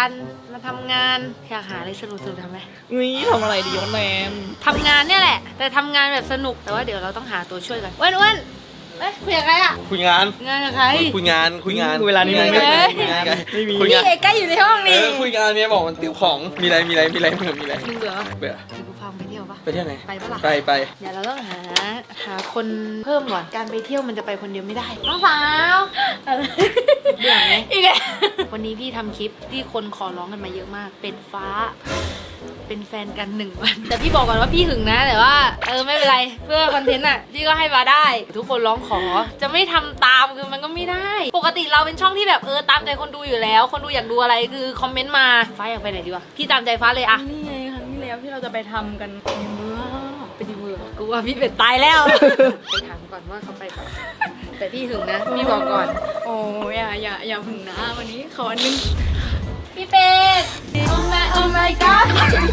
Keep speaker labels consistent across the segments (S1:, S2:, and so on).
S1: กันมาทำงานอยากหาอะไรสนุกทำไหม
S2: นี่ทำอะไรดีวะแนน
S1: ทำงานเนี่ยแหละแต่ทำงานแบบสนุกแต่ว่าเดี๋ยวเราต้องหาตัวช่วยกันอ้วนเอ้ยคุยกับใครอะ
S3: คุยงาน
S1: งานกับใคร
S3: คุยงาน
S2: เวลานี้มึงไม่
S3: คุยงานไม่มี
S1: นี่ไอ้ใกล้อยู่ในห้องนี่
S3: คุยงานเมียบอกมันติวของมีอะไรมีเบื่อ
S1: มึงเบื่อปะ
S3: เบื่อ
S1: เดี๋ยวกูพาไปเที่ยวปะ
S3: ไปเที่ยวไหน
S1: ไปปะล่ะ
S3: ไป
S1: เดี๋ยวเราต้องหาคนเพิ่มก่อนการไปเที่ยวมันจะไปคนเดียวไม่ได้น้องสาวอะไรเบื่อไหมอีกแล้ววันนี้พี่ทำคลิปที่คนขอร้องกันมาเยอะมากเป็นฟ้าเป็นแฟนกัน1 วันแต่พี่บอกก่อนว่าพี่หึงนะแต่ว่าไม่เป็นไรเพื่อคอนเทนต์อ่ะพี่ก็ให้มาได้ ทุกคนร้องขอจะไม่ทำตามคือมันก็ไม่ได้ ปกติเราเป็นช่องที่แบบตามใจคนดูอยู่แล้ว คนดูอยากดูอะไรคือคอมเมนต์มาฟ้าอยากไปไหนดีวะพี่ตามใจฟ้าเลยอะ
S2: นี่ไงครั้งที่แล้วที่เราจะไปทำกันในเมืองไปดีเมือง
S1: กูว่าพี่เป็ดตายแล้ว ไปถามก่อนว่าเขาไปก่อนแต่พี่หึงนะพี่บอกก่อน
S2: โอ้อย่าพึ่งนะวันนี้ขออันนึง
S1: พี่เป็ดโอ้ my god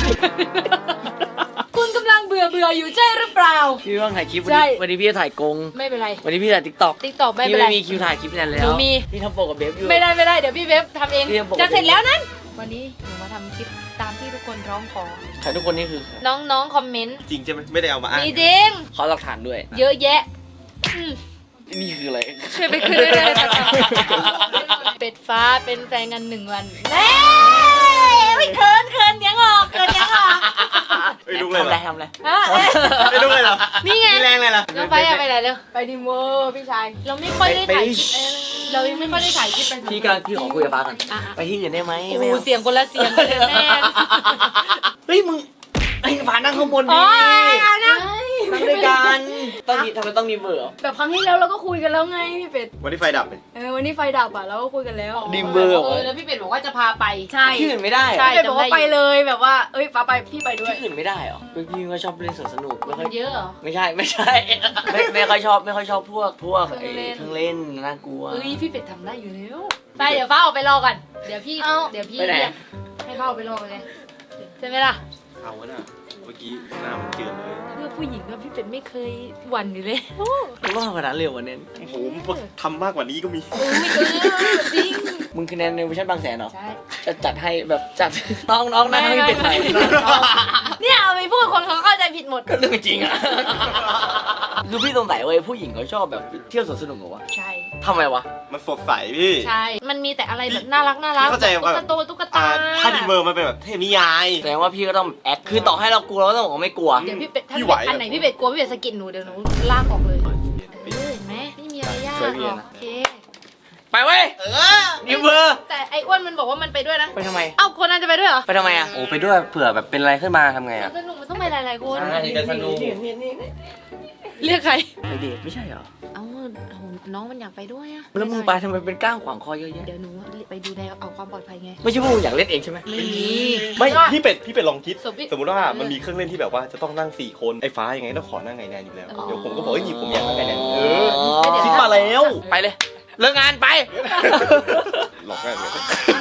S1: คุณกำลังเบื่ออยู่ใช่หรือเปล่า
S4: พี่ว่างถ่ายคลิป
S1: ใช่
S4: วันนี้พี่จะถ่ายกง
S1: ไม่เป็นไร
S4: วันนี้พี่ถ่ายติ๊กต็อก
S1: ติ๊กตอกไม่
S4: พี่
S1: เป็นไร
S4: ไม่มีคิวถ่ายคลิปนั้นแล้ว
S1: หนูมี
S4: พี่ทำโปกกับเบฟอยู่
S1: ไม่ได้เดี๋ยวพี่เว็บทำเอง
S4: เรียกปกติ
S1: จะเสร็จแล้วนั้นวันนี้หนูมาทำคลิปตามที่ทุกคนร้องขอ
S4: ถ่ายทุกคนนี่คือ
S1: น้องคอมเมนต์
S3: จริงใช่ไหมไม่ได้เอามาอ้าง
S1: มีจริง
S4: ขอหลักฐานด้วย
S1: เยอะแยะ
S4: นี่คืออะไร
S1: ช่วยไปคืนด้วยเลยเป็ดฟ้าเป็นแฟนกัน1 วันแม่ไม่เคินยังออก
S3: ไม่รู้เลยเหรอ
S4: ทำอะไร
S1: ฮะ
S3: ไม่รู้เลยเหรอ
S1: นี่ไง
S3: มีแรงเลยเหรอ
S1: น้องไฟอะไปไหนเร็ว
S2: ไปดีเมืองพี่ชาย
S1: เราไม่ค่อยได้ถ่ายคลิปเรายังไม่ค่อยได้ถ่ายคลิปไป
S4: พี่ขอคุยกับฟ้าก่อนไปที่อื่นได้ไหม
S1: โอ้เสียงคนละเสียงเลยแม่
S4: เฮ้ยมึงไอ้ฟ้านั่งข้างบน
S1: อ๋
S4: ดิ
S1: อนะ
S4: นั่งด้วยกันต้องมีทำไมต้องมีเบอร์
S2: แบบครั้งที่แล้วเราก็คุยกันแล้วไงพี่เป็ด
S3: วันที่ไฟดับเลย
S2: วันนี้ไฟดับอ่ะเราก็คุยกันแล้ว
S4: ดิมเบอร์เหรอ
S1: แล้วพี่เป็ดบอกว่าจะพาไป
S2: ใช่
S4: ที่อื่นไม่ได้เหรอ
S1: ใช่
S2: พี่เป็ดบอกว่าไปเลยแบบว่าฟ้าไปพี่ไปด้วย
S4: ที่อื่นไม่ได้เหรอพี่ก็ชอบเล่นสนุกไม่ค่อย
S1: เยอะเหรอ
S4: ไม่ใช่ไม่ค่อยชอบพวกไอ้เครื่องเล่นน่ากลัว
S1: พี่เป็ดทำได้อยู่แล้วไปเดี๋ยวฟ้าออกไปรอก่อนเดี๋ยวพี่
S4: ไปไหน
S1: เรียกให้ฟ้าออกไปรอกันเลยใช่ไหมล่ะ
S3: เอาวะน่ะเมื่อกี้หน้ามันเจือนเลย
S1: เพื่อผู้หญิงอะพี่เป็ดไม่เคยหวั่นอยู่เลย
S4: มึงต้องทำขนาดเร็วกว่านี้
S3: โอ้โหทำมากกว่านี้ก็มี
S1: จริง
S4: มึงคะแนนในเวอร์ชันบางแสนเหรอ
S1: ใช่
S4: จะจัดให้แบบจัด น้องนะให้เป็นไหน
S1: เนี่ยเอาไปพูดคนเขาเข้าใจผิดหมด
S4: ก็เรื่องจริงอ่ะ คือพี่สงสัยเว้ยผู้หญิงเขาชอบแบบเที่ยวสวนสนุกเหรอวะ
S1: ใช่
S4: ทำไมวะ
S3: มันสดใสพี่
S1: ใช่ มันมีแต่อะไรแบบน่ารัก
S3: พี่เข้าใจว่า
S1: ตุ๊กตา
S3: ถ้าดีเมอร์มันเป็นแบบเทพนิยาย
S4: แสดงว่าพี่ก็ต้องแอคคือต่อให้เรากลัวเราก็ต้องบอกว่าไม่กลัว
S1: เดี๋ยวพี่เป็ดถ้า
S3: พี่ไหว
S1: อันไหนพี่เป็ดกลัวพี่เป็ดสะกิดหนูเดี๋ยวหนูลากออกเลยเห็นไหมไม่มีอะไรยาก
S4: ช่วยพี่
S1: หรอก
S4: นะ
S1: โอเค
S4: ไปเว้ยนิวเบอร์
S1: แต่ไอ้อ้วนมันบอกว่ามันไปด้วยนะ
S4: ไปทำไม
S1: เอ้าคนนั้นจะไปด้วยเหรอ
S4: ไปทำไมอ่ะ
S5: โอ้ไปด้วยเผื่อแบบเป็นอะไรขึ้นมาทำไงอ่ะ
S1: สนุกมันต้องไปหลายๆคน
S5: ใช่จะสนุก
S1: เรียกใคร
S4: ไปเดทไม่ใช่เหรอ
S1: เอ้าโหน้องมันอยากไปด้วยอะ
S4: แล้วมึงไปทำไมเป็นก้างขวางคอเยอะแยะ
S1: เดี๋ยวหนูไปดูแลเอาความปลอดภัยไง
S4: ไม่ใช่พวกมึงอยากเล่นเองใช่ไหม
S1: ไม่มี
S3: ไม่พี่เป็ดลองคิด
S1: สมมุติ
S3: สมมติว่ามันมีเครื่องเล่นที่แบบว่าจะต้องนั่ง4 คนไอ้ฟ้ายังไงต้องขอนั่งไงแนนอยู่แล้วเดี๋ยวผมก็บอกว่าหยิบผมอยากนั่งไงแนนคิดมาแล้ว
S4: ไปเลย เลิกงานไป
S3: หลอกง่ายเลย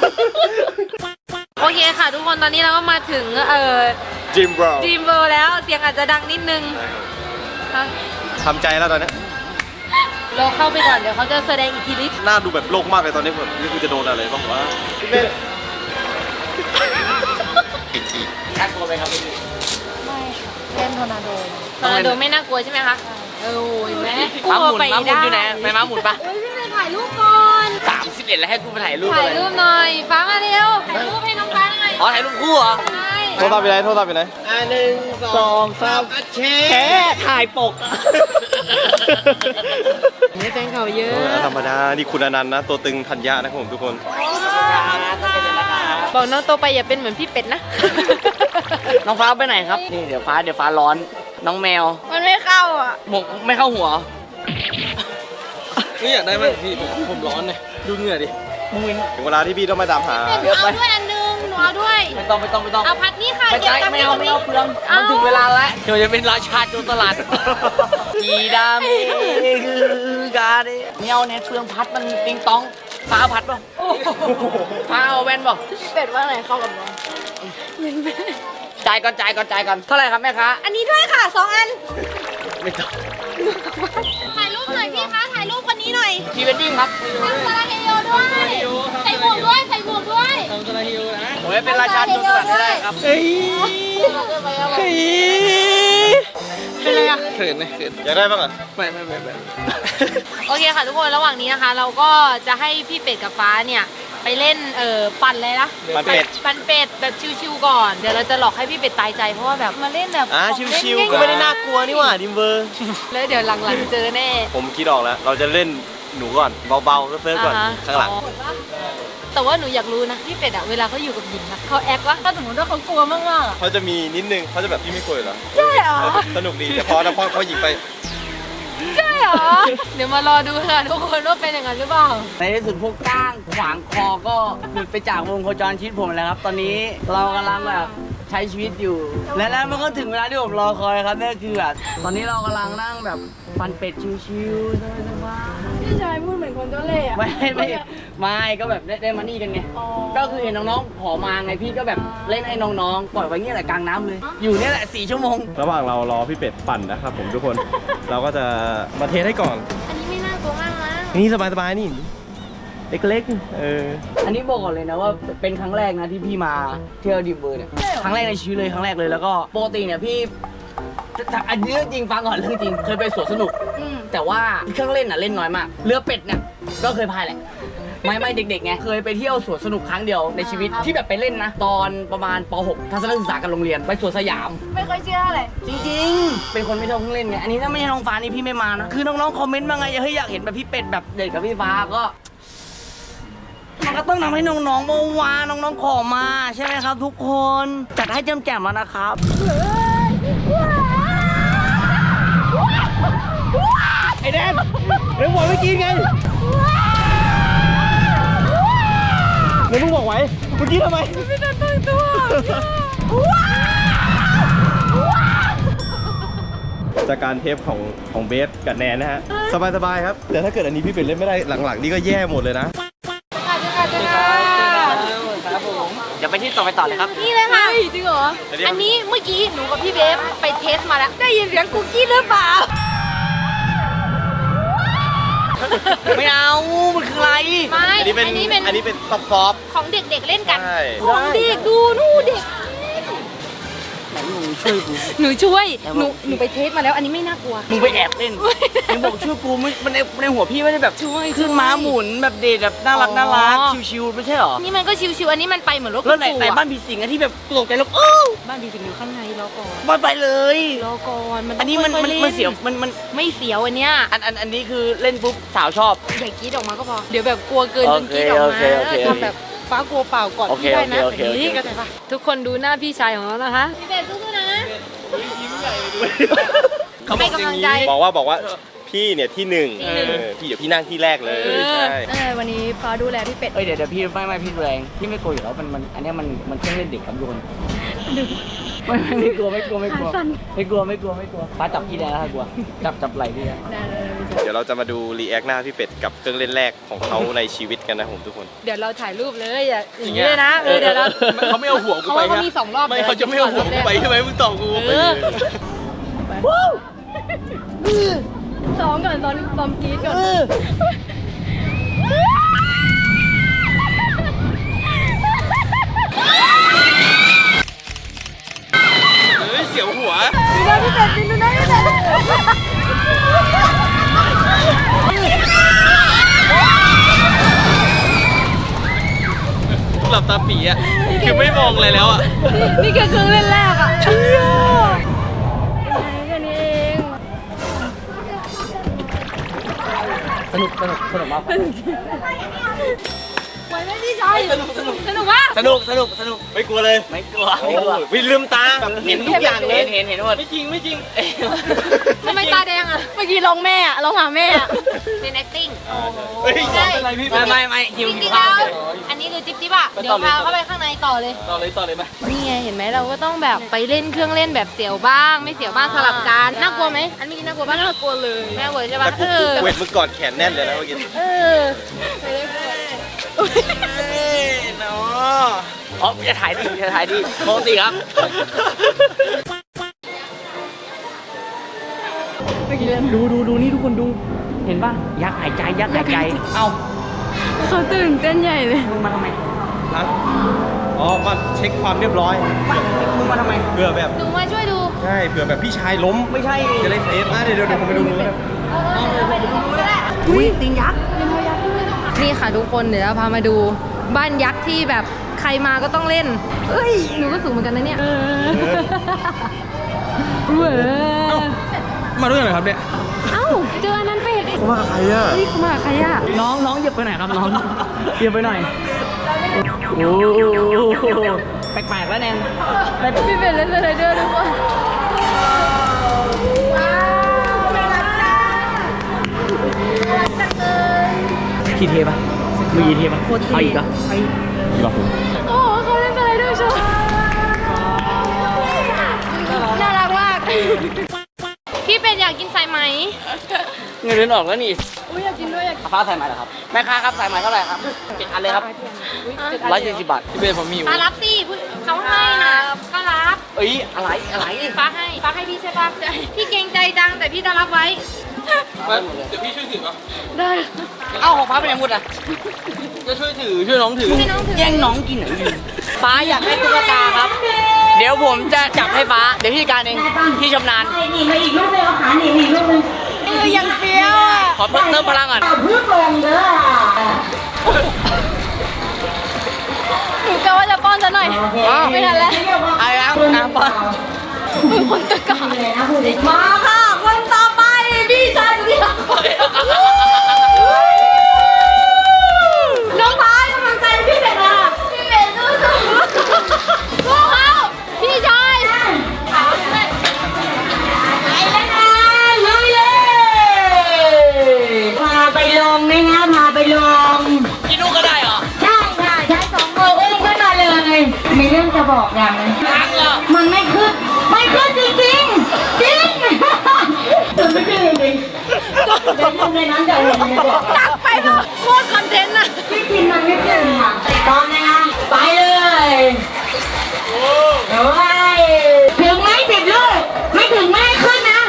S1: โอเคค่ะ ทุกคนตอนนี้เราก็มาถึง
S3: จิมบราว
S1: Dream World แล้วเสียงอาจจะดังนิดนึง
S3: ทำใจแล้วตอนนี้
S1: เราเข้าไปก่อนเดี๋ยวเขาจะแสดงอิทธิฤทธิ์
S3: หน้าดูแบบโลกมากเลยตอนนี้ผมนี่คือจะโดนอะไรบ้างวะพี่เป็ด
S4: น่ากลัวไหมครับพี่
S2: เล่นทอร์นาโด
S1: ทอร์นาโดไม่น่ากลัวใช่ไหมคะโอ้ยแม่กลั
S4: ม้าห
S1: ว
S4: มุน
S1: ไป
S4: ม้าหมุน
S1: ได้
S4: อยู่ไหนไปม้าหมุนปะ
S1: เฮ้ยพี่ไปถ่ายรูปก่อน
S4: 31แล้วให้กูไปถ่ายรูป
S1: ถ่า
S4: อะ
S1: ย
S4: ไร
S1: รูปหน่อยฟ้ามาเร็วถ่ายรูปให้น้องฟ้าหน่อย
S4: อ๋อถ่ายรูปคู่เหรอ
S1: ใช่
S3: โทรศัพท์ไปไหนโทรศัพท์ไปไหน
S4: 1 2 3แค่ถ่ายปก
S1: นี่แฟนเขาเยอะ
S3: ธรรมดานี่คุณอนันต์นะตัวตึงธัญญานะครับผมทุกคน
S1: บอกน้องโตไปอย่าเป็นเหมือนพี่เป็ดนะ
S4: น้องฟ้าไปไหนครับ นี่เดี๋ยวฟ้าร้อน น้องแมว
S1: มันไม่เข้าอ่ะ
S4: หมกไม่เข้าหัว
S5: ไม่อยากได้ไหมพี่ผมร้อนเลยดูเหงื่อดิ
S3: ถึงเวลาที่พี่ต้องมาตามหา
S1: เป็ดเอาด้วยอันนึงหนูเอาด้วย
S4: ไม่ต้อง
S1: เอาพัดนี่ค่ะ
S4: ไม่
S1: เดี๋ยว
S4: ใช่
S1: ตาม
S4: ไม่เอาเปลืองมันถึงเวลาแล้วเดี๋ยวจะเป็นราชาโจรสลัดกีดามีคือกาเดไม่เอาเนี่ยเปลืองพัดมันติงตองฟ้าเอาพัดป่ะฟ้าเอาแว่นป่ะ
S2: พี่เป็ดว่าไหนเข้ากับน้อง
S4: จ่ายก่อนเท่าไหร่ครับแม่ค้า
S1: อันนี้ด้วยค่ะ2 อัน
S4: ไม่ต้อง
S1: ถ่ายรูปหน่อยพี่คะถ่ายรูปคนนี้หน่อย
S4: พรีเวดดิ้งครับ
S1: ทำสาราเฮโยด้วยใส่หมวกด้วย
S5: ทำสไลด์ฮิวนะ
S4: เป็นราชาโจรสลัดให้ได้ครับ
S5: เฮ้ย
S1: เป็นไรอะ
S5: เขินนะเขิน
S3: อยากได้บ้างอ่ะ
S5: ไม่
S1: โอเคค่ะทุกคนระหว่างนี้นะคะ เราก็จะให้พี่เป็ดกับฟ้าเนี่ยไปเล่นปั่นเลยนะ
S3: ปั่นเป็ด
S1: ปั่นเป็ดแบบชิวๆก่อนเดี๋ยวเราจะหลอกให้พี่เป็ดตายใจเพราะว่าแบบมาเล่นแบบ
S3: ชิวๆก็ไม่ได้น่ากลัวนี่หว่าดิมเบอร์
S1: แล้วเดี๋ยวหลังๆเจอแน่
S3: ผมคิดออกแล้ว เราจะเล่นหนูก่อนเบาๆเซิร์ฟๆก่อน
S1: อ่าฮะ
S3: ข้างหลัง
S1: แต่ว่าหนูอยากรู้นะพี่เป็ดอะเวลาเขาอยู่กับหญิงอะเขาแอควะถ้าสมมติว่าเขากลัวมากๆอะ
S3: เขาจะมีนิดนึงเขาจะแบบพี่ไม่กลัวเหรอ
S1: ใช่เหรอ
S3: สนุกดีแต่พอเขาหยิงไป
S1: ใช่เหรอเดี๋ยวมารอดูค่ะทุกคนว่าเป็นอย่างนั้นหรือเปล่า
S4: ในที่สุดพวกก้างขวางคอก็หลุดไปจากวงโคจรชีวิตผมแล้วครับ ตอนนี้เรากำลังแบบใช้ชีวิตอยู่ และแล้วมันก็ถึงเวลาที่ผมรอคอยครับนั่นคือแบบตอนนี้เรากำลังนั่งแบบปั่นเป็ดชิวๆสบายๆ
S2: พี่ชายพูดเหมือนคนเจ้าเล่ห์อะ
S4: ไม่ก็แบบได้มานี่กันไง
S2: อ๋อ
S4: ก็คือเห็นน้องๆขอมาไงพี่ก็แบบเล่นให้น้องๆปล่อยไว้เงี้ยแหละกลางน้ำเลย อยู่เนี่ยแหละ4 ชั่วโมง
S3: ระหว่างเรารอพี่เป็ดปั่นนะครับผมทุกคน เราก็จะมาเทสให้ก่อน
S1: อันนี้ไม่น่ากลัวมากนะ
S3: นี่สบายๆนี่เล็กๆ
S4: อันนี้บอกก่อนเลยนะว่าเป็นครั้งแรกนะที่พี่มาเที่ยวดิมเบอร์เนี่ยครั้งแรกในชีวิตเลยครั้งแรกเลยแล้วก็ปกติเนี่ยพี่อันนี้เรื่องจริงฟังก่อนเรื่องจริงเคยไปสวนสนุกแต่ว่าเครื่องเล่นน่ะเล่นน้อยมากเรือเป็ดเนี่ยก็เคยพายแหละไม่เด็กๆไงเคยไปเที่ยวสวนสนุกครั้งเดียวในชีวิตที่แบบไปเล่นนะตอนประมาณป .6 ทัศนศึกษากับโรงเรียนไปสวนสยาม
S2: ไม่ค่อยเชื่อเลย
S4: จริงๆ เป็นคนไม่ชอบเครื่องเล่นไง อันนี้ถ้าไม่ใช่น้องฟ้านี่พี่ไม่มานะ คือน้องๆ คอมเมนต์มาไงเฮ้ยอยากเห็นแบบพี่เป็ดแบบเด็กกับพี่ฟ้าก็ มันก็ต้องทำให้น้องๆมาวาน้องๆ ขอมาใช่ไหมครับทุกคน จัดให้แจ่มๆแล้วนะครับ
S3: ไอ้แดนเดี๋ยวบอกเมื่อกี้ไงเดี๋ยวมึงบอกไว้เมื่อกี้ทำไมไม่ได้ตั้งตัวจากการเทปของเบสกับแนนนะฮะสบายๆครับแต่ถ้าเกิดอันนี้พี่เป็ดเล่นไม่ได้หลังๆนี่ก็แย่หมดเลยนะ
S4: ครับผมเดี๋ยวไปที่ต่อไปต่อเลยครับ
S1: นี่เลยค่ะ
S2: จริงเหรอ
S1: อันนี้เมื่อกี้หนูกับพี่เบฟไปเทสมาแล้ว ได้ยินเสียงคุกกี้หรือเปล่า
S4: ไม่เอา มันคืออะไร
S1: ไม่
S3: อันนี้เป็นซอฟต์
S1: ของเด็กๆเล่นกัน
S3: ใช่
S1: ของเด็กดูนู่นเด็ก
S4: ไหนมึงช่วยกู
S1: หนูช่วย หนูไปเทสมาแล้ว อันนี้ไม่น่ากลัว
S4: มึงไปแอบเล่นมึงบอกช่วยกูมันในหัวพี่ไม่ได้แบบ
S1: ช่วย
S4: ขึ้นม้าหมุนแบบเด็ดแบบน่ารัก
S1: อ๋อ
S4: น่ารักชิวๆไม่ใช่หรอ
S1: นี่มันก็ชิวๆ อันนี้มันไปเหมือนรถ
S4: แล้วไหน
S1: ปู่
S4: ไหน
S1: อะ
S4: บ้านผีสิงอะที่แบบตกใจแล้ว
S1: บ้านผีสิงอยู่ข้างในรอก่อน
S4: มาไปเลย
S1: รอก่อนมันต้
S4: อั
S1: ง
S4: นนี้มัน
S1: ค่อยๆล่
S4: มันเสียวมัน
S1: ไม่เสียวอันเนี้ย
S4: อันนี้คือเล่นปุ๊บสาวชอบ
S1: อย่ากรีดออกมาก็พอ เดี๋ยวแบบกลัวเกินจนกรีดออกมา
S4: โอเค
S1: ทำแบบฟ้ากลัวเปล่าก่อน
S4: โอเค
S1: พี่ได้นะ
S4: โอเคโอเค
S1: นี่ก็ได้ปะทุกคนดูหน้าพี่ชายของเรานะคะพี่เบสสู้ๆนะ
S3: เขาบ
S1: ให้
S3: อกอย่าง
S1: กำลัง
S3: นี้
S1: ใจ
S3: บอกว่าพี่เนี่ยที่หนึ่งพี่เดี๋ยวพี่นั่งที่แรกเลยใช่
S2: วันนี้ฟ้าดูแลพี่เป็ด
S4: เดี๋ยวพี่ไม่พี่แรงพี่ไม่กลัวอยู่แล้วมันอันนี้มันเครื่องเล่นเด็กครับทุกคนไม่กลัวป้าจับพี่ได้แล้วกลัวจับไหล่พี่ได้
S3: เดี๋ยวเราจะมาดูรีแอคหน้าพี่เป็ดกับเครื่องเล่นแรกของเขาในชีวิตกันนะผมทุกคน
S1: เดี๋ยวเราถ่ายรูปเลยอย่างนี้เลยนะเดี๋ยวเรา
S3: เขาไม่เอาหัวกู
S1: เขา
S3: ไป
S1: ว่าเขามี2 รอบ
S3: ไม่เขาจะไม่เอาหัวกูไปใช่ไหมมึงตอบกู
S2: ซ้อมก่อนตอนกรี๊ดก่อน
S3: เสียวหัวหลับตาปีอ่ะคือไม่มองอะไรแล้วอ่ะ
S2: นี่แค่เครื่องเล่นแรกอ่ะแค่นี้เอง
S4: สนุกมาก
S1: ไหวไหมพี่ชายสนุกปะ
S4: สนุก
S3: ไม่กลัวเลย
S4: ไม่กลัว
S3: โอ้ยวิลืมตาแบบเห็นทุกอย่างเลย
S4: เห็นหมด
S3: ไม่จริง
S1: ทำไมตาแดงอ่ะ
S2: เมื่อกี้ร้องแม่อะร้องหาแม่อะ
S1: เป็น acting
S3: เฮ้ย
S1: ใช่
S3: อะไรพี่
S4: ไม่หิว
S1: จริงๆแล้วอันนี้คือจิ๊บอ่ะเดี๋ยวพาเข้าไปข้างในต่อเลย
S3: ต่อเลยไหม
S1: นี่ไงเห็นไหมเราก็ต้องแบบไปเล่นเครื่องเล่นแบบเสียวบ้าง ไม่เสียวบ้างสลับกันน่ากลัวไหมอันเมื่อกี้น่ากลัวปะน่ากลัวเลยน่ากลัวใช่ปะ
S3: แต่กูเวทมึงกอดแขนแน่นเลยนะเมื่อกี้
S1: เออ
S3: เนาะ
S4: อ๋อจะถ่ายดีปกติครับ ดูนี่ทุกคนดู เห็นป่ะยักษ์หายใจเอ้า
S2: เขาตื่นเต้นใหญ่เลย
S4: มึงมาทำไม
S3: ฮะอ๋อมาเช็คความเรียบร้อย
S4: มึงมาทำไม
S3: เผื่อแบบ
S1: หนูมาช่วยดู
S3: ใช่เผื่อแบบพี่ชายล้ม
S4: ไม่ใช่
S3: จะได้เซฟเดี๋ยวผมไปดูนู้นนะ
S4: อุ้ยติงยักษ์
S1: นี่ค่ะทุกคนเดี๋ยวเราพามาดูบ้านยักษ์ที่แบบใครมาก็ต้องเล่นเอ้ยหนูก็สูงเหมือนกันนะเนี่ยเว้ย
S5: มาด้วยกันเหรอครับเนี่ย
S1: เอ้าเจออันนั้นเป็ด
S3: เขามากับใครอ่ะ
S1: เฮ้ยเขามากับใครอ่ะ
S4: น้องเหยียบไปไหนครับน้องเหยียบไปหน่อยโอ้แปลกๆแล้วแนน
S1: พี่เป็ดเล่นสไลเดอร์ด้วยว่ะ
S4: ทีเทปะมือยีเทปะเอาอีกเหรอ
S3: ดีป่ะผม
S1: โอ้โหเขาเล่นสไลเดอร์โชว์น่ารักมากพี่เป็ดอยากกินสายไหม
S5: เงินเดือนออกแล้วนี่
S1: อุ้ยอยากกินด้วยอยากกิน
S4: ฟ้าสายไหมเหรอครับแม่ค้าครับสายไหมเท่าไหร่ครับ7 อันเลยครับ140 บาท
S5: พี่เบนผมมีอยู่
S1: มารับสิเขาให้นะก็รับ
S4: เอ้ยอะไร
S1: ฟ้าให้พี่ใช่ปะพี่เกรงใจจังแต่พี่จะรับไว้
S5: เดี๋ยวพี่ช่วยถือป่ะ
S1: ได้
S4: เอ้าของฟ้าเป็นยังไงหมดอ่ะ
S5: จะช่วยถือช่วยน้องถือ
S1: ให้น้องถือ
S4: แย่งน้องกินเหรอฟ้าอยากได้ตุ๊กตาครับ เดี๋ยวผมจะจับให้ฟ้าเดี๋ยวพี่การเองพี่ชำนาญ
S6: นี่มาอีกลูกเลยเอาขาหนีอีกลูกนึง
S1: ยังเฟี้ยวอ่ะ
S4: ขอเติมพลังก่อน
S6: เอาพึ่งลงเด้อ
S1: หนูกะว่าจะป้อนซะหน่อยไม่ทันแล้ว
S4: เอาแล้วนะป้อน
S1: มือคนตะกา
S6: เลยนะพูดเลย
S1: มาค่ะคนต่อไปพี่ชายพี่น้องพายกำลังใจพี่เป็ดอ่ะพี่เป็ดสู้ๆสู้เขาพี่ชาย
S6: ไปแล้วนะลุยเลยพาไปลงไหมนะพาไปลง
S4: กินลูกก็ได้เหรอ
S6: ใช่ค่ะใช้2 มืออุ้มขึ้นมาเลยมีเรื่องจะบอกอย่างนึง
S4: ล้างเหรอ
S6: มันไม่ขึ้นจริงจริงมันไม่ขึ้นจริงเดี๋ยวทำในนั้นจะเห็นเลยบอก
S1: ตักไปเถอะโคตรคอนเทนต์น่ะ
S6: พี่กินมันไม่ขึ้นค่ะตอนนะคะไปเลยโอ้ยถึงไหม10 ลูกไม่ถึงไม่ให้ขึ้นนะ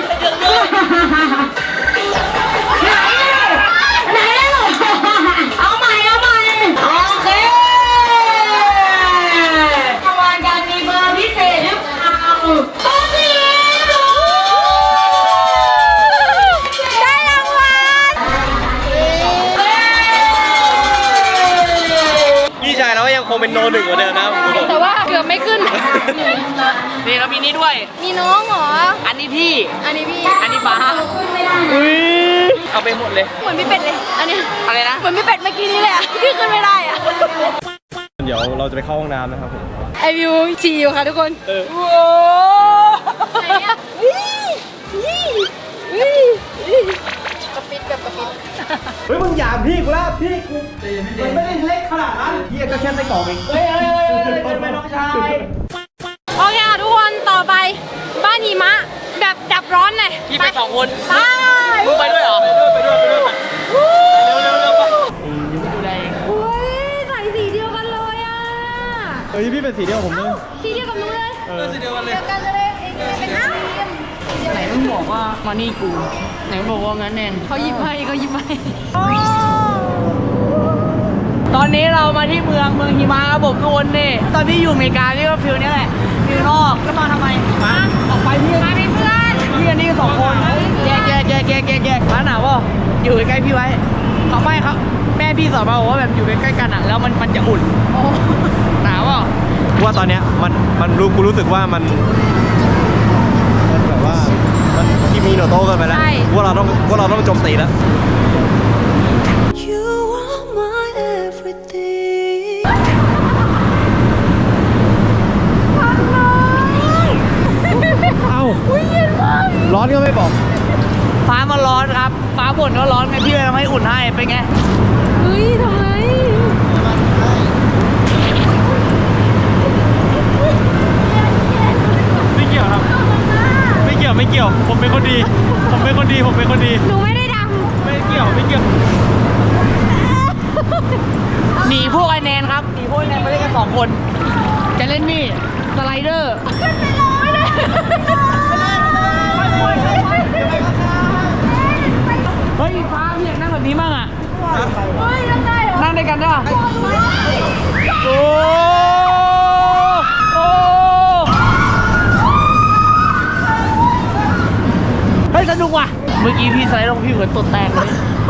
S6: ไหนลูกเอาใหม่โอเคขบวนการมีเบอร์พิเศษหรือเปล่าโอ้ย
S1: ได้รางวัล
S3: พี่ชายเราก็ยังคงเป็นโนหนึ่งเหมือนเดิมนะผมบอก
S1: แต่ว่าเกือบไม่ขึ้น
S4: นี่แล้วมีนี้ด้วย
S1: มีน้องเหรอ
S4: อันนี้พี่
S1: อันนี้พี่
S4: อันนี้ฟ้าเอาไปหมดเลย
S1: เหมือนพี่เป็ดเลย อันเนี้ย
S4: อะไรนะ
S1: เหมือนพี่เป็ดเมื่อกี้นี้เลยอะที่ขึ้นไม่ได้อะ
S3: เดี๋ยวเราจะไปเข้าห้องน้ำนะครับผม
S1: ไอวิวฉี่อยู่ค่ะทุกคนโว้ไหนอะกระปิดแบบกระปิด
S3: เฮ้ยมึงหยามพี่กูแล้วพี่กูมันไม่ได้เล็กขนาดนั้นพี่ก็แค่ไส้กรอกเอง
S4: เฮ้ยเป็นน้องชาย
S1: โอเคค่ะทุกคนต่อไปบ้านหิมะแบบดับร้อนหน่อย
S4: พี่ไป2 คน
S1: ไป
S4: มึงไปด้วยเหรอ
S3: ไปด้วยเร็วไป
S1: อุ้ยใส่สีเดียวกันเลยอ่ะ
S3: เฮ้ยพี่เป็นสีเดียวผมเลย
S1: สีเดียวกับหนูเลย
S3: สีเดียวกันเลย
S1: เดียวกันเลยเองเป็นอ้าว
S4: ไหนมึงบอกว่ามานี่กู ไหนบอกว่างั้นแนน
S1: เขาหยิบให้เขาหยิบให้
S4: ตอนนี้เรามาที่เมืองหิมะครับผมทุกคนนี่ตอนที่อยู่อเมริกานี่ก็ฟิลนี้แหละฟิลนอกแล้วมาทำไมมาออกไปพี่
S1: มาเป็นเพื่อน
S4: พี่อันนี้ก็2 คนแยกมาหนาวป่ะอยู่ใกล้ๆพี่ไว้เขาไม่ครับแม่พี่สอนมาบอกว่าแบบอยู่ใกล้ๆกันอ่ะแล้วมันจะอุ่น
S1: โอ้
S4: หนาวป่ะ
S3: ว่าตอนเนี้ยมันกูรู้สึกว่ามันแบบว่ามันที่มีโนโต้กันไปแล้วว่าเราต้องโจมตีแล้ว
S7: You are my everything.
S3: เอ้าร้อนก็ไม่บอก
S4: ฟ้ามันร้อนครับฟ้าบ่นว่าร้อนไงพี่เลยทำให้อุ่นให้เป็นไง
S1: เฮ้ยทำไม
S3: ไม่เกี่ยวครับไม่เกี่ยวผมเป็นคนดีผมเป็นคนดี
S1: หนูไม่ได้ด
S3: ไม่เกี่ยว
S4: หนีพวกไอแนนครับหนีพวกไอแนนไปเล่นกัน2 คนจะเล่นนี่สไลเดอร์เฮ้ยฟ้าพี่อยากนั่งแบบนี้มั่งอ่ะ
S1: ำเฮ้ยยังไงเหรอ
S4: นั่งด้วยกันได้ป่ะ
S1: โอ้ย
S3: โอ้
S4: โอ้
S3: ย
S4: ย
S3: พี่
S4: ยัง
S3: เป็
S4: ไง
S3: น
S4: เหรอฮ้ยสนุกว่ะเมื่อกี้พี่สไลด์ลงพี่เหมือนตดแตกเลย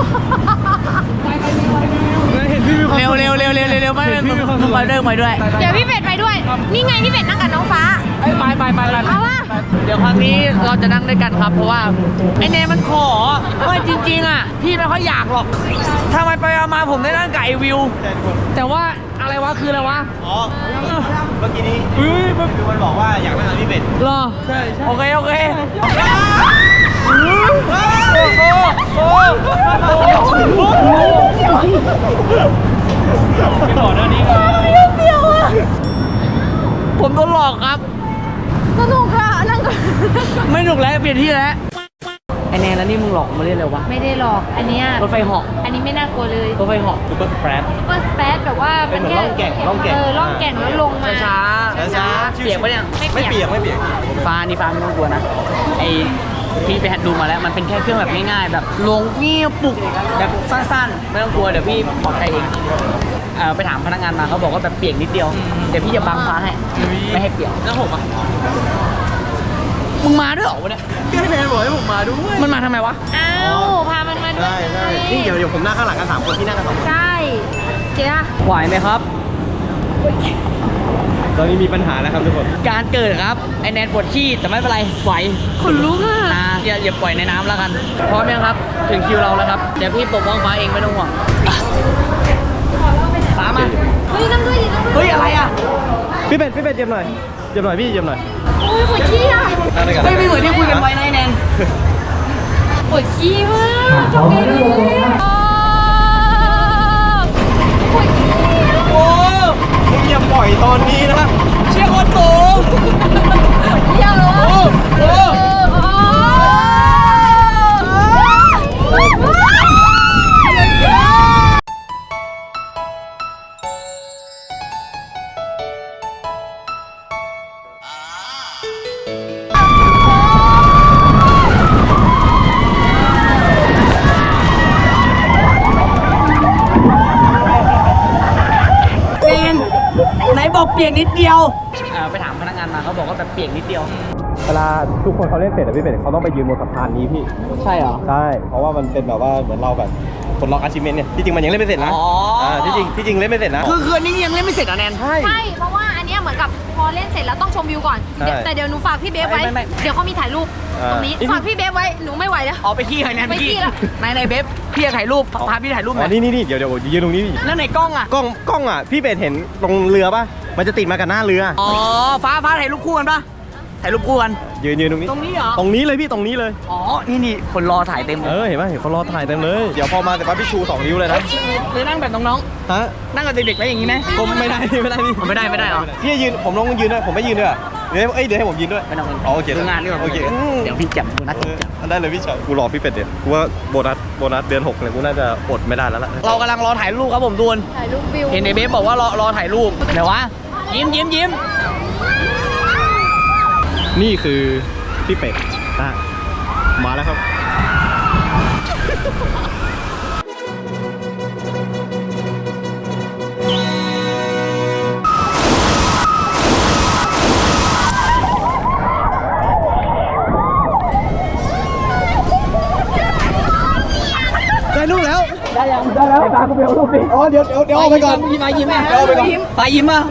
S4: เร็วไม่ไปด้วย
S1: เดี๋ยวพี่เป็ดไปด้วย นี่ไงพี่เป็ดนั่งกับน้องฟ้า
S4: ไปเอาว่าเดี๋ยวครั้งนี้เราจะนั่งด้วยกันครับเพราะว่าไอเนมันขอว่าจริงๆอ่ะพี่ไม่ค่อยอยากหรอกทำไมไปเอามาผมได้นั่งกับไอวิวแต่ว่าอะไรวะคืออะไรวะ
S3: อ๋อเมื่อกี้นี้คือมันบอกว่าอยากนั่งกับพี่เป็ด
S4: รอใช่โอเคผมโดนหลอกครับ
S1: สนุกค่ะนั่งกับ
S4: ไม่หนุกแล้วเปลี่ยนที่แล้วไอแนนแล้วนี่มึงหลอกมาเล่นเลยวะ
S1: ไม่ได้หรอก อันเนี้ย
S4: รถไฟเหาะ
S1: อันนี้ไม่น่ากลัวเลย
S4: รถไฟเหาะ
S3: ซุปเปอร์สเปรด
S1: ซุปเปอร์สเปซแบบว่ามันแค่
S3: เป็นเหมือนร่องแก่ง
S1: ร่องแก่งแล้วลงมา
S4: ช้า
S3: ช้า
S4: เปียกปะเนี่ย
S3: ไม่เปียก
S4: ฟ้านี่ฟ้าไม่ต้องกลัวนะไอพี่ไปหัดดูมาแล้วมันเป็นแค่เครื่องแบบง่ายๆแบบลงเงียบปุกแบบสั้นๆไม่ต้องกลัวเดี๋ยวพี่ปลอดภัยเองไปถามพนักงานมาเขาบอกว่าแบบเปียกนิดเดียวเดี๋ยวพี่จะบังฟ้าให้ไม่ให้เปียก
S5: แล้วผมอ่ะ
S4: มึงมาด้วยเหรอวะเนี่ย
S3: พี่แนนบอกให้ผมมาด้วย
S4: มันมาทำไมวะ
S1: อ้าวพามันมาด้วย
S3: ใช่นี่เดี๋ยวผมนั่งข้างหลังกัน3คนที่นั่งกัน2คน
S1: ใช่เจ๊อะ
S4: ไหวไหมครับ
S3: ตอนนี้มีปัญหาแล้วครับทุกคน
S4: การเกิดครับไอแนนปวดขี้แต่ไม่เป็นไรไหว
S1: ขนลุกอะ
S4: อย่าปล่อยในน้ำแล้วกันพร้อมยังครับถึงคิวเราแล้วครับเดี๋ยวพี่ปกป้องฟ้าเองไม่ต้องห่วงฟ้ามา
S1: เฮ้ยนั่งด้วยดินั่งด้วย
S4: เฮ้ยอะไรอ่ะ
S3: พี่เป็ดเยี่ยมหน่อยพี่เยี่ยมหน่อย
S1: โอ้ยปวดขี้อะ
S3: นั่งด้วยกัน
S4: เฮ้ยไม่เหมือนที่คุยกันไว้นะไอแนน
S1: ปวดขี้มากทำไงดีปวดขี้อะ
S4: โอ้
S3: อย่าปล่อยตอนนี้นะ
S4: เชี่ยคนสูง
S1: เยี่ยมเลย
S4: โอ้โห เป็นไหนบอกเปียกนิดเดียวไปถามพนักงานมาเขาบอกว่าแบบเปียกนิดเดียว
S3: เวลาทุกคนเขาเล่นเสร็จพี่เป็ดเขาต้องไปยืนบนสะพานนี้พี่
S4: ใช่เหรอ
S3: ใช่เพราะว่ามันเป็นแบบว่าเหมือนเราแบบคนล็อกอาชีพเนี่ยที่จริงมันยังเล่นไม่เสร็จนะ
S4: อ๋ออ่
S3: ที่จริงเล่นไม่เสร็จนะ
S4: คืออันนี้ยังเล่นไม่เสร็จเหรอแนน
S3: ใช่
S1: ใช่ เพราะว่าอันเนี้ยเหมือนกับพอเล่นเสร็จแล้วต้องชมวิวก่อน
S3: ใช่
S1: แต่เดี๋ยวหนูฝากพี่เบฟไว้
S4: ไม่
S1: เดี๋ยวเขามีถ่ายรูปตรงนี้ ฝากพี่เบฟไว้ หนูไม่ไหวแล้ว
S4: อ๋อไปขี้เหรอแนน
S1: ไปขี้แล้ว
S4: ในเบฟพี่จะถ่ายรูปพาพี่ถ่ายรูปห
S3: อ๋
S4: น่
S3: อ
S4: อย
S3: นี่เดี๋ยวยืนตรงนี้ดิ
S4: แล้วไหนกล้องอ่ะ
S3: กล้องอ่ะพี่เป็ดเห็นตรงเรือป่ะมันจะติดมากับหน้าเรือ
S4: อ๋อฟ้าถ่ายรูปคู่กันปะถ่ายรูปคู่กัน
S3: ยืนตรงนี้
S4: ตรงนี้เหรอ
S3: ตรงนี้เลยพี่ตรงนี้เลย
S4: อ๋อนี่คนรอถ่ายเต็ม
S3: เห็นไหมเห็นเขารอถ่ายเต็มเลยเดี๋ยวพอมาแต่ปั๊บพี่ชู2 นิ้วเลยนะ
S4: เลยนั่งแบบน้อง
S3: ฮะ
S4: ๆนั่งกับเด็กๆไว้อย่างนี้ไหม
S3: ผมไม่ได้นี่
S4: ไม่ได้เหรอ
S3: พี่ยืนผมลองยืนด้วยผมไม่ยืนด้วยเดี๋ยวให้ผมยืนด้วย
S4: ไม่ต้อง
S3: อ๋อโอเค
S4: ดูงานดีกว่า
S3: โอเค
S4: เดี๋ยวพี่จับดูนัด
S3: ได้เลยพี่ชายกูรอพี่เป็ดเดี๋ยวกูว่าโบนัสเดือน6เนี่ยกูน่าจะอดไม่ได้แล้วล่ะ
S4: เรากำลังรอถ่ายรูปครับผมดูน
S1: ถ่ายรูปวิว
S4: เห็นในเบฟบอกว่ารอถ่ายรูปเดี๋ยววะยิ้ม
S3: นี่คือพี่เป็ดมาแล้วครับได้รูปแล้ว
S4: ได้แล้วตากูไปเอารูปดิ
S3: อ๋อเดี๋ยวเอาไปก่อน
S4: ยิ้มมายิ้ม
S3: เดี๋ยวเอาไปก่อน
S4: ไปยิ้มมา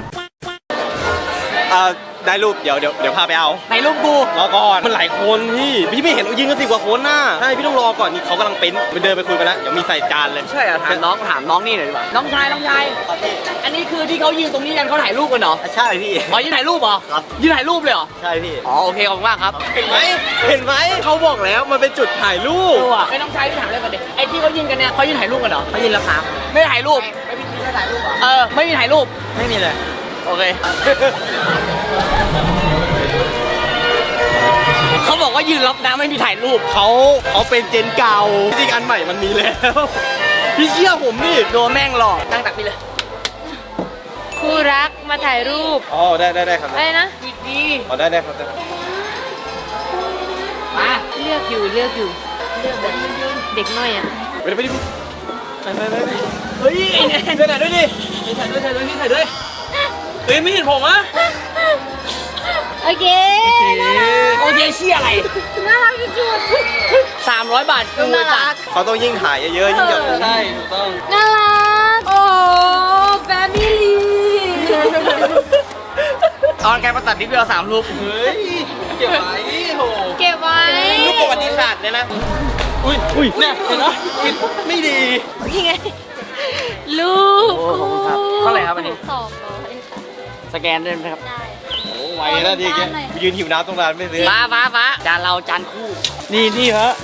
S3: ได้รูปเดี๋ยวพาไปเอา
S4: ไหนรูปกู
S3: รอก่อนมันหลายคนพี่ไม่เห็นยืนกัน10 กว่าคนน่ะใช่พี่ต้องรอก่อนนี่เขากำลังเป็นไปเดินไปคุยกันแล้วเดี๋ยวมีใส่จานเลย
S4: ใช่เหรอถามน้องนี่หน่อยดีกว่าน้องชายอันนี้คือที่เขายืนตรงนี้กันเขาถ่ายรูปกันเหรอ
S3: ใช่พี่
S4: อ๋อยืนถ่ายรูปเหรอครับยืนถ่ายรูปเลยเหรอ
S3: ใช่พี่
S4: อ๋อโอเคขอบคุณมากครับ
S3: เห็นไหมเขาบอกแล้วมันเป็นจุดถ่ายรูป
S4: ดูอ่ะไอ้น้องชายที่ถามเลยกันดิไอ้ที่เขายืนกันเนี่ยเขายืนถ่ายรูปกันเหรอเขายืนแล้วครับไม่ถ่ายรูปไม่มีถ่ายรูปไม่มีถ่ายรูป
S3: ไม่มีเลย
S4: โอเค เขาบอกว่ายืนรับน้ำไม่มีถ่ายรูป
S3: เขาเป็นเจนเก่าจริงอันใหม่มันมีแล้ว พี่เชื่อผมดิ
S4: โดนแม่งหลอกตั้งตักพี่เลย
S1: คู่รักมาถ่ายรูป
S3: อ๋อได้ครับ
S1: อะไรนะ
S4: ดี
S3: อ๋อได้ครับ
S4: มา
S1: เลือกอยู่เลือกแบบเด็กน้อยอ่ะ
S3: ไปดิ
S4: เฮ้ยไอ้แนน
S5: ถ่ายด้วยดิถ่ายด้วยเฮ้ยไม่เห็นผมอะ
S1: เอโอเค
S4: โอเคเชี่ยอะไร
S1: น่ารักที่สุด
S4: 300 บาทกู
S1: น่ารัก
S3: เขาต้องยิ่งถ่ายเยอะๆยิ่งจะ
S5: ใช่ถูกต้อง
S1: น่ารัก โอ้แฟมิลี่
S4: ตอนแกมาตัดนิดเดียว3 รูป
S5: เฮ้ย เก็บไว้โห
S1: เก็บไว้
S3: รูปประวัติศาสตร์เนี่ยนะ
S5: อุ้ยเนี่ยเห็นไหมคิดไม่ดี
S1: นี่ไง ลูก
S4: โอ้ขอบคุณครับเท่าไหร่ครับอันนี้
S2: 200ค่ะ
S4: สแกนได้ไหมครับ
S2: ได้
S3: โอ้ไวนะทีแกยืนหิวน้ำตรงนั้นไม่ซื้อ
S4: ฟ้าจานเราจานคู่
S5: นี่ฮะ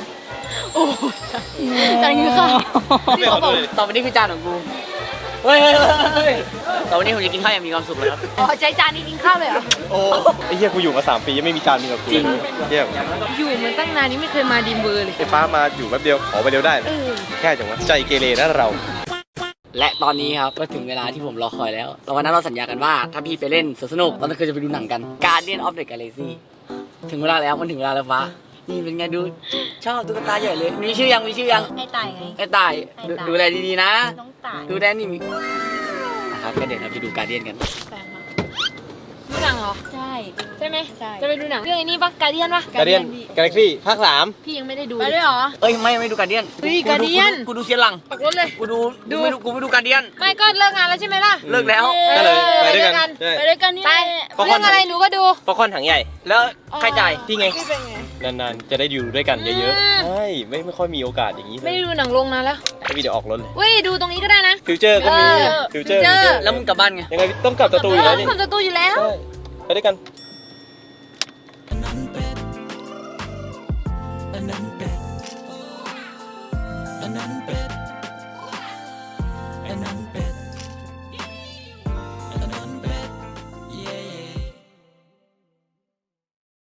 S2: แต่นี่ค่ะ
S3: ไม่ขอโทษเลย
S4: ต่อไปนี้คือจานของกูเฮ้ยต่อไปนี้ผมจะกินข้าวอย่างมีความสุขเลยครับ
S1: อ๋อใช้จานนี้กินข้าวเลยเหรอ
S3: โอ้ไอ้เหี้ยกูอยู่มา3 ปียังไม่มีจานมีกับกูเลยเหี้ย
S1: อยู่มันตั้งนานนี้ไม่เคยมาดีมเบอร์เลย
S3: ไอ้ฟ้ามาอยู่แป๊บเดียวขอไปเดียวได้นะแค่จังวะใจเกเรนะเรา
S4: และตอนนี้ครับก็ถึงเวลาที่ผมรอคอยแล้ววันนั้นเราสัญญากันว่าถ้าพี่ไปเล่นสวนสนุกตอนนั้นคือจะไปดูหนังกัน Guardian of the Galaxy ถึงเวลาแล้วมันถึงเวลาแล้วฟ้านี่เป็นไงดูชอบตุ๊กตาใหญ่เลยมีชื่อยัง
S2: ให้ตายไง
S4: ไอ้ตายดูแลดีๆนะ
S2: น้องตาย
S4: ดูแลนี่มีนะครับก็เดี๋ยวเราไปดู Guardian กัน
S2: แฟนค่ะ
S1: ดูหนังเหรอ
S2: ใช่
S1: ใช่ไหม
S2: ใช่
S1: จะไปดูหนังเรื่องไอ้นี่ปะการเดียนปะ
S3: การเดียนกาแล็กซี่ภาค
S1: พี่ยังไม่ได้ดู
S2: ไปด้วยเหรอ
S4: เอ้ยไม่ดู Guardian
S1: เฮ้ย Guardian
S4: กูดูเซียนหลัง
S1: ปักรถเลย
S4: กูไม่ดู Guardian
S1: ไม่ก็เลิกงานแล้วใช่ไหมล่ะ
S4: เลิกแล้ว
S3: 3ก็เลยไปด้วยกันใช่
S2: ไปด้วยกันนี่
S1: ไป
S3: ป๊อปคอ
S1: เรื่
S3: ร์
S1: อน งอะไรหนูก็ดู
S3: ป๊อปคอร์นถังใหญ่
S4: แล้วใครจ่าย
S3: ที่ไงนานๆจะได้อยู่ด้วยกันเยอะๆใช่ไม่ค่อยมีโอกาสอย่างนี้เล
S1: ไม่
S3: ย
S1: ได้ดูหนังโรงนานแล้ว
S3: ไม่มีเดี๋ยวออกรถเลย
S1: เว้ยดูตรงนี้ก็ได้นะ
S3: ฟิวเจอร์ก็มี
S1: เออ
S3: ฟิวเจอร์
S1: Future
S4: แล้วมึงกลับบ้านไง
S3: ยังไงต้องกลับสตูอยู่แล้วนี่
S1: คนจะตูอยู่แล้ว
S3: ใช่ไปด้วยกัน